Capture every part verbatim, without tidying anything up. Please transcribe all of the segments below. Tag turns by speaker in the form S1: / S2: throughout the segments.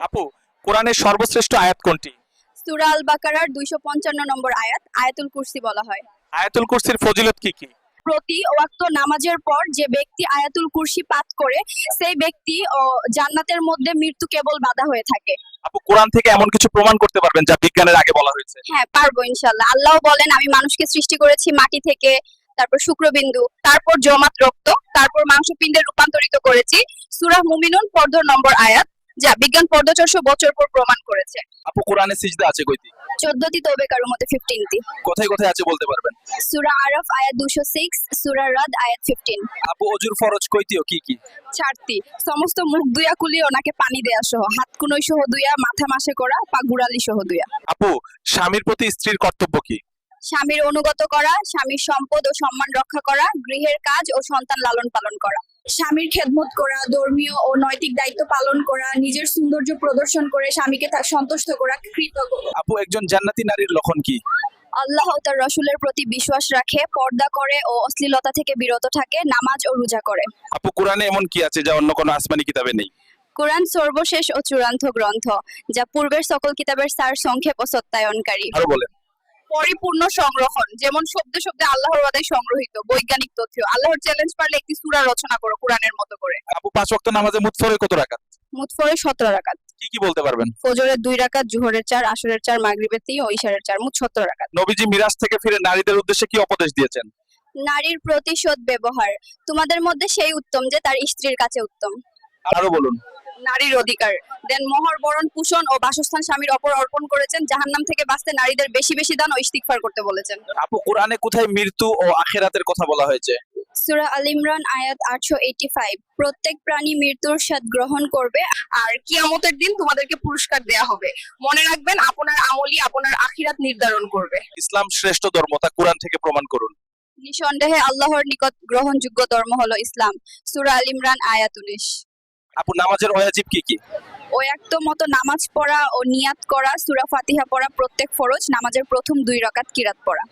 S1: আপু, কোরআনের সর্বশ্রেষ্ঠ আয়াত কোনটি?
S2: সূরা আল বাকারার দুইশো পঞ্চান্ন নম্বর আয়াত, আয়াতুল কুরসি বলা হয়।
S1: আয়াতুল কুরসির ফজিলত কি কি?
S2: প্রতি ওয়াক্ত নামাজের পর যে ব্যক্তি আয়াতুল কুরসি পাঠ করে সেই ব্যক্তি ও জান্নাতের মধ্যে মৃত্যু কেবল বাধা হয়ে থাকে।
S1: আপু, কোরআন থেকে এমন কিছু প্রমাণ করতে পারবেন যা বিজ্ঞানের আগে বলা হয়েছে?
S2: হ্যাঁ, পারবো ইনশাআল্লাহ। আল্লাহ বলেন, আমি মানুষকে সৃষ্টি করেছি মাটি থেকে, তারপর শুক্রবিন্দু, তারপর জমাট রক্ত, তারপর মাংসপিণ্ডে রূপান্তরিত করেছি। সূরা মুমিনুন পর্দর নম্বর আয়াত, যা বিজ্ঞান পর্দ চারশো বছর পর প্রমাণ করেছে।
S1: আপু, কোরআনে সিজদা আছে কয়টি?
S2: চোদ্দটি, তবে কারোর মধ্যে ফিফটিনটি।
S1: কোথায় কোথায় আছে বলতে পারবেন?
S2: সূরা আরাফ আয়াত দুইশো ছয়, সূরা রাদ আয়াত পনেরো।
S1: আপু, অজুর ফরজ কয়টি ও কি কি?
S2: চারটি। সমস্ত মুখ দুইয়া কুলিয়ে ওনাকে পানি দেয়া সহ, হাত কুনোই সহ দুইয়া, মাথা মাসে করা, পা গুড়ালি সহ দুইয়া।
S1: আপু, স্বামীর প্রতি স্ত্রীর কর্তব্য কি?
S2: স্বামীর অনুগত করা, স্বামীর সম্পদ ও সম্মান রক্ষা করা, গৃহের কাজ ও সন্তান লালন পালন করা, স্বামীর খেদমত করা, ধর্মীয় ও নৈতিক দায়িত্ব পালন করা, নিজের সৌন্দর্য প্রদর্শন করে স্বামীকে তা সন্তুষ্ট করা, কৃতজ্ঞ।
S1: আপু, একজন জান্নাতি নারীর লক্ষণ কি?
S2: আল্লাহ ও তার রসুলের প্রতি বিশ্বাস রাখে, পর্দা করে ও অশ্লীলতা থেকে বিরত থাকে, নামাজ ও রোজা করে।
S1: আপু, কোরআনে এমন কি আছে যা অন্য কোনো আসমানি কিতাবে নেই?
S2: কোরআন সর্বশেষ ও চূড়ান্ত গ্রন্থ, যা পূর্বের সকল কিতাবের সার সংক্ষেপ ও সত্যায়নকারী।
S1: আরো বলেন।
S2: পরিপূর্ণ সংরক্ষণ, যেমন শব্দে শব্দে আল্লাহর ওয়াদায় সংগ্রহিত বৈজ্ঞানিক তথ্য। আল্লাহর চ্যালেঞ্জ পারলে একটি সূরা রচনা করো কোরআনের মতো করে।
S1: আপু, পাঁচ ওয়াক্ত নামাজে মোট ফরজ কত রাকাত?
S2: মোট ফরজ সতেরো রাকাত।
S1: কি কি বলতে পারবেন?
S2: ফজরের দুই রাকাত, জোহরের চার, আসরের চার, মাগরিবের তিন ও ইশারের চার, মোট সতেরো রাকাত।
S1: নবীজি মিরাজ থেকে ফিরে নারীদের উদ্দেশ্যে কি উপদেশ দিয়েছেন?
S2: নারীর প্রতিশোধ ব্যবহার, তোমাদের মধ্যে সেই উত্তম যে তার স্ত্রীর কাছে উত্তম।
S1: আরো বলুন।
S2: নারীর অধিকার, দেন মোহর বরণ পোষণ ও বাসস্থান স্বামীর অপর অর্পণ করেছেন। জাহান্নাম থেকে বাঁচতে নারীদের বেশি বেশি দান ও ইস্তিগফার করতে বলেছেন।
S1: আপু, কোরআনে কোথায় মৃত্যু ও আখিরাতের কথা বলা হয়েছে?
S2: সূরা আল ইমরান আয়াত আটশো পঁচাশি, প্রত্যেক প্রাণী মৃত্যুর স্বাদ গ্রহণ করবে আর কিয়ামতের দিন তোমাদেরকে পুরস্কার দেয়া হবে। মনে রাখবেন, আপনার আমলই আপনার আখিরাত নির্ধারণ করবে।
S1: ইসলাম শ্রেষ্ঠ ধর্ম, তা কোরআন থেকে প্রমাণ করুন।
S2: নিঃসন্দেহে আল্লাহর নিকট গ্রহণযোগ্য ধর্ম হলো ইসলাম। সূরা আল ইমরান আয়াত উনিশ।
S1: আপু, নামাজের ওয়াজিব কি কি?
S2: ওয়াক্ত মতো নামাজ পড়া ও নিয়াত করা, সূরা ফাতিহা পড়া প্রত্যেক ফরজ, নামাজের প্রথম দুই রাকাত কিরাত পড়া,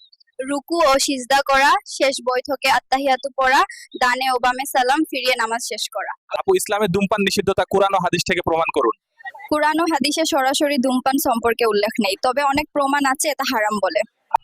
S2: রুকু ও সিজদা করা, শেষ বৈঠকে আত্তাহিয়াতু পড়া, ডানে ও বামে সালাম ফিরিয়ে নামাজ শেষ করা।
S1: আপু, ইসলামে ধূমপান নিষিদ্ধতা কোরআন ও হাদিস থেকে প্রমাণ করুন।
S2: কুরআন ও হাদিসে সরাসরি ধূমপান সম্পর্কে উল্লেখ নেই, তবে অনেক প্রমাণ আছে এটা হারাম বলে।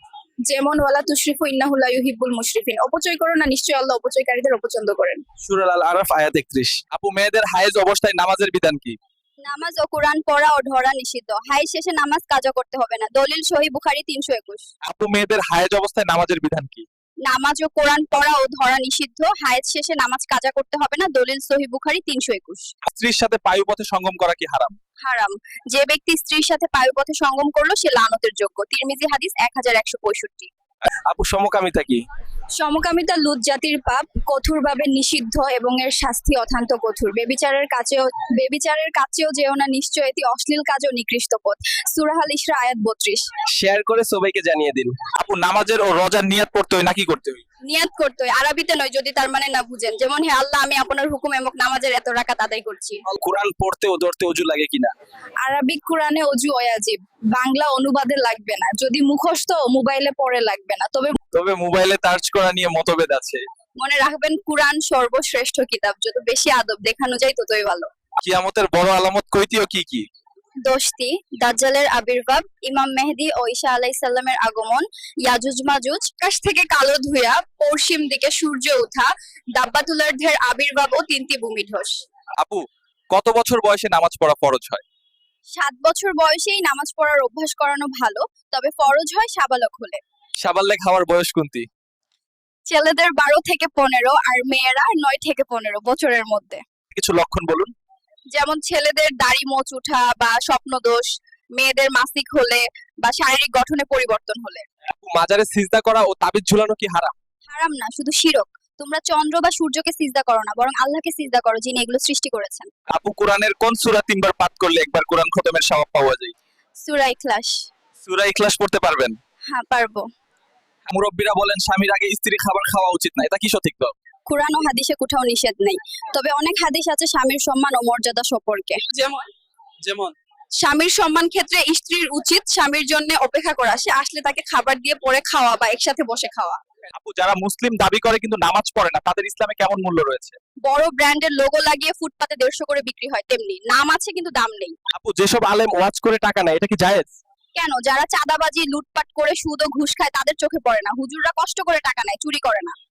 S2: যেমন ওয়ালা তুশরিফু ইন্নাহু লা ইউহিব্বুল মুশরিফিন, অপচয় করো না, নিশ্চয়ই আল্লাহ অপচয়কারীদের অপছন্দ করেন।
S1: সূরা আল আরাফ আয়াত একত্রিশ। আপু, মেয়েদের হায়েজ অবস্থায় নামাজের বিধান কি?
S2: নামাজ ও কোরআন পড়া ও ধরা নিষিদ্ধ। হাই শেষে নামাজ কাজা করতে হবে না। দলিল সহিহ বুখারী তিনশো একুশ।
S1: আপু, মেয়েদের হায়েজ অবস্থায় নামাজের বিধান কি?
S2: নামাজ ও কোরআন পড়া ও ধরা নিষিদ্ধ। হায়েজ শেষে নামাজ কাজা করতে হবে না। দলিল সহিহ বুখারী তিনশো একুশ।
S1: স্ত্রীর সাথে পায়ুপথে সঙ্গম করা কি হারাম?
S2: হারাম। যে ব্যক্তি স্ত্রীর সাথে পায়ুপথে সঙ্গম করলো সে লানতের যোগ্য। তিরমিজি হাদিস এক হাজার একশো পঁয়ষট্টি।
S1: আপু, সমকামিতা কি?
S2: সমকামিতা লুত জাতির পাপ, কঠোরভাবে নিষিদ্ধ এবং এর শাস্তি অত্যন্ত কঠোর। বেবিচারের কাছেও বেবিচারের কাছেও যেও না, নিশ্চয় এটি অশ্লীল কাজ ও নিকৃষ্ট পথ। সূরা আল ইসরা আয়াত বত্রিশ।
S1: শেয়ার করে সবাইকে জানিয়ে দিন। আপু, নামাজের ও রোজার নিয়াত পড়তে হয় নাকি করতে হয়?
S2: নিয়াত করতে হয়, আরবিতে নয়, যদি তার মানে না বুঝেন। যেমন, হে আল্লাহ, আমি আপনার হুকুম এবং নামাজের এত রাকাত আদায় করছি।
S1: কোরআন পড়তে ও ধরতে অজু লাগে কিনা?
S2: আরবিক কোরআনে অজু ওয়াজিব, বাংলা অনুবাদে লাগবে না। যদি মুখস্থ মোবাইলে পড়ে লাগবে না। তবে
S1: তবে মোবাইলে সার্চ করা নিয়ে মতভেদ আছে।
S2: মনে রাখবেন, কুরআন সর্বশ্রেষ্ঠ কিতাব। যত বেশি আদব দেখানো যায় ততই ভালো।
S1: কিয়ামতের বড় আলামত কয়টি ও কি কি?
S2: দশটি। দাজ্জালের আবির্ভাব, ইমাম মেহেদী ও ঈসা আলাইহিস সালামের আগমন, ইয়াজুজ মাজুজ, আকাশ থেকে কালো ধুয়া পশ্চিম দিকে সূর্য ওঠা, দাব্বাতুলার্ধের আবির্ভাব ও তিনটি ভূমিধস।
S1: আপু, কত বছর বয়সে নামাজ পড়া ফরজ হয়?
S2: সাত বছর বয়সেই নামাজ পড়ার অভ্যাস করানো ভালো, তবে ফরজ হয় সাবালক হলে।
S1: সাবাল্লেগ হওয়ার বয়স কোনটি?
S2: ছেলেদের বারো থেকে পনেরো আর মেয়েরা নয় থেকে পনেরো বছরের মধ্যে।
S1: কিছু লক্ষণ বলুন।
S2: যেমন, ছেলেদের দাড়ি মোচ ওঠা বা স্বপ্নদোষ, মেয়েদের মাসিক হলে বা শারীরিক গঠনে পরিবর্তন হলে।
S1: আপু, মাজারে সিজদা করা ও তাবিজ ঝুলানো কি হারাম?
S2: হারাম না, শুধু শিরক। তোমরা চন্দ্র বা সূর্যকে সিজদা করো না, বরং আল্লাহকে সিজদা করো, যিনি এগুলো সৃষ্টি করেছেন।
S1: আপু, কোরআনের কোন সূরা তিনবার পাঠ করলে একবার কোরআন খতমের সওয়াব পাওয়া যায়?
S2: সূরা ইখলাস।
S1: সূরা ইখলাস পড়তে পারবেন?
S2: হ্যাঁ, পারবো।
S1: মুরব্বীরা বলেন স্বামীর আগে স্ত্রী খাবার খাওয়া উচিত না, এটা কি সঠিক? তো
S2: কুরআন ও হাদিসে কোথাও নিষেধ নেই, তবে অনেক হাদিস আছে স্বামীর সম্মান ও মর্যাদা সম্পর্কে।
S1: যেমন যেমন
S2: স্বামীর সম্মান ক্ষেত্রে স্ত্রীর উচিত স্বামীর জন্য অপেক্ষা করা, সে আসলে তাকে খাবার দিয়ে পরে খাওয়া বা একসাথে বসে খাওয়া।
S1: আপু যারা মুসলিম দাবি করে কিন্তু নামাজ পড়ে না তাদের ইসলামে কেমন মূল্য রয়েছে?
S2: বড় ব্র্যান্ডের লোগো লাগিয়ে ফুটপাতে দেড়শো করে বিক্রি হয় তেমনি নাম আছে কিন্তু দাম নেই।
S1: আপু যেসব আলেম ওয়াজ করে টাকা নেয় এটা কি জায়েজ?
S2: কেন? যারা চাঁদাবাজি লুটপাট করে সুদ ও ঘুষ খায় তাদের চোখে পড়ে না। হুজুররা কষ্ট করে টাকা নেয়, চুরি করে না।